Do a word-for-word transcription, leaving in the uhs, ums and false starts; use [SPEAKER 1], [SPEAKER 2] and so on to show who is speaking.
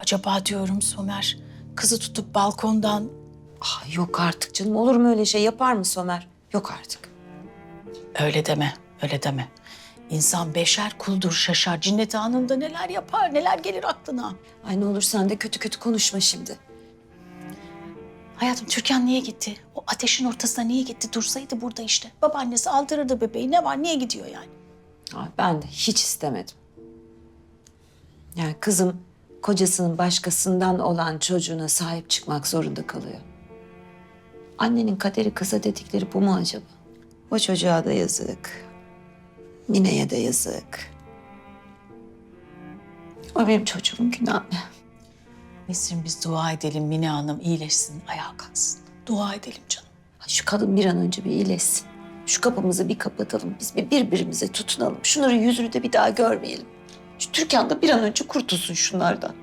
[SPEAKER 1] acaba diyorum Somer. Kızı tutup balkondan...
[SPEAKER 2] Ah, yok artık canım. Olur mu öyle şey? Yapar mı Somer? Yok artık.
[SPEAKER 1] Öyle deme, öyle deme. İnsan beşer kuldur şaşar. Cinnet anında neler yapar, neler gelir aklına.
[SPEAKER 2] Ay ne olur sen de kötü kötü konuşma şimdi.
[SPEAKER 1] Hayatım Türkan niye gitti? O ateşin ortasına niye gitti? Dursaydı burada işte. Babaannesi aldırırdı bebeği. Ne var, niye gidiyor yani?
[SPEAKER 2] Ay, ben de hiç istemedim. Yani kızım kocasının başkasından olan çocuğuna sahip çıkmak zorunda kalıyor. Annenin kaderi kıza dedikleri bu mu acaba? O çocuğa da yazık. Mine'ye de yazık. O benim çocuğumun günahı.
[SPEAKER 1] Nesrin biz dua edelim Mine Hanım iyileşsin, ayağa kalksın. Dua edelim canım.
[SPEAKER 2] Şu kadın bir an önce bir iyileşsin. Şu kapımızı bir kapatalım. Biz bir birbirimize tutunalım. Şunların yüzünü de bir daha görmeyelim. Şu Türkan da bir an önce kurtulsun şunlardan.